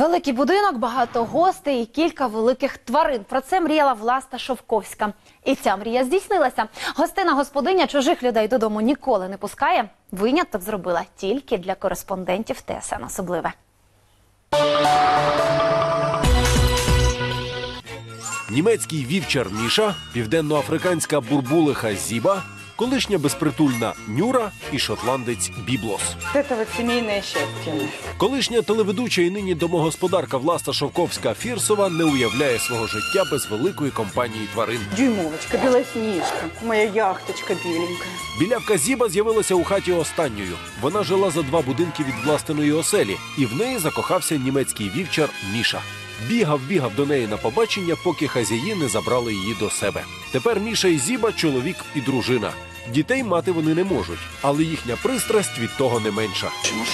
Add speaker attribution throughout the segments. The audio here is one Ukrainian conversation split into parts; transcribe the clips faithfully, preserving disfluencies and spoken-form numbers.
Speaker 1: Великий будинок, багато гостей і кілька великих тварин. Про це мріяла Власта Шовковська. І ця мрія здійснилася. Гостина-господиня чужих людей додому ніколи не пускає. Виняток зробила тільки для кореспондентів Т С Н «Особливе».
Speaker 2: Німецький вівчар Міша, південноафриканська бурбулиха Зіба, колишня безпритульна Нюра і шотландець Біблос.
Speaker 3: Це вот сімейне щастя.
Speaker 2: Колишня телеведуча і нині домогосподарка Власта Шовковська-Фірсова не уявляє свого життя без великої компанії тварин.
Speaker 3: Дюймовочка, білосніжка, моя яхточка біленька.
Speaker 2: Білявка Зіба з'явилася у хаті останньою. Вона жила за два будинки від власної оселі, і в неї закохався німецький вівчар Міша. Бігав-бігав до неї на побачення, поки хазяї не забрали її до себе. Тепер Міша і Зіба – чоловік і дружина. Дітей мати вони не можуть, але їхня пристрасть від того не менша.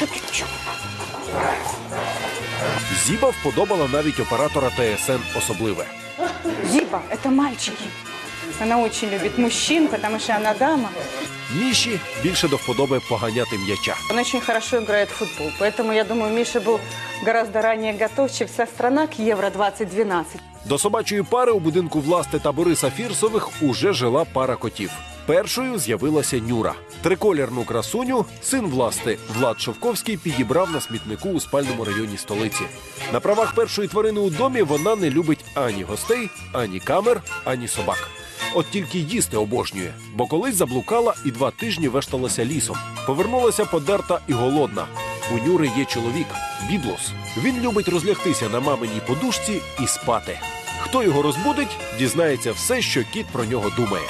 Speaker 2: Зіба вподобала навіть оператора Т С Н «Особливе».
Speaker 3: Зіба – це мальчики. Вона дуже любить мужчин, тому що вона дама.
Speaker 2: Міші більше до вподоби поганяти м'яча.
Speaker 3: Он очень хорошо играет в футбол, поэтому, я думаю, Миша был гораздо ранее готов, чем вся страна к Евро двадцять дванадцять.
Speaker 2: До собачої пари у будинку Власти та Бориса Фірсових уже жила пара котів. Першою з'явилася Нюра. Триколірну красуню син Власти Влад Шовковський підібрав на смітнику у спальному районі столиці. На правах першої тварини у домі вона не любить ані гостей, ані камер, ані собак. От тільки їсти обожнює, бо колись заблукала і два тижні вешталася лісом. Повернулася подерта і голодна. У Нюри є чоловік – Біблос. Він любить розлягтися на маминій подушці і спати. Хто його розбудить, дізнається все, що кіт про нього думає.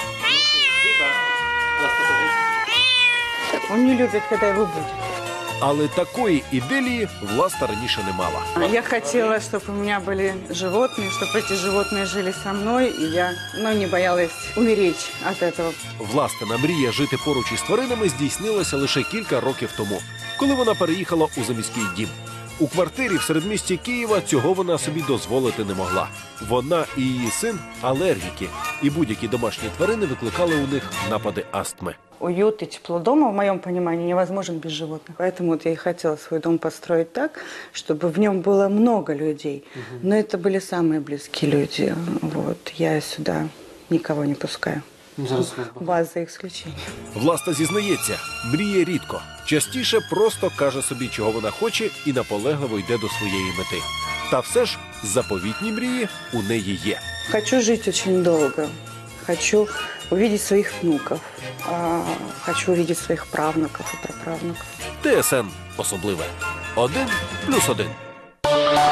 Speaker 3: Он не любит, когда его будет.
Speaker 2: Але такої іделії Власта раніше не мала.
Speaker 3: Я хотела, чтобы у меня были животные, чтобы эти животные жили со мной, и я ну, не боялась умереть от этого.
Speaker 2: Властина мрія жити поруч із тваринами здійснилася лише кілька років тому, коли вона переїхала у заміський дім. У квартирі в середмісті Києва цього вона собі дозволити не могла. Вона і її син – алергіки, і будь-які домашні тварини викликали у них напади астми.
Speaker 3: Уют и тепло дома, в моем понимании, невозможен без животных. Поэтому вот я и хотела свой дом построить так, чтобы в нем было много людей. Угу. Но это были самые близкие люди. Вот. Я сюда никого не пускаю. Вас за исключением.
Speaker 2: Власта зізнається, мріє рідко. Частіше просто каже собі, чого вона хоче, і наполегливо йде до своєї мети. Та все ж заповітні мрії у неї є.
Speaker 3: Хочу жить очень долго. Хочу увидеть своих внуков. Хочу увидеть своих правнуков и праправнуков.
Speaker 2: Т С Н «Особливе». Один плюс один.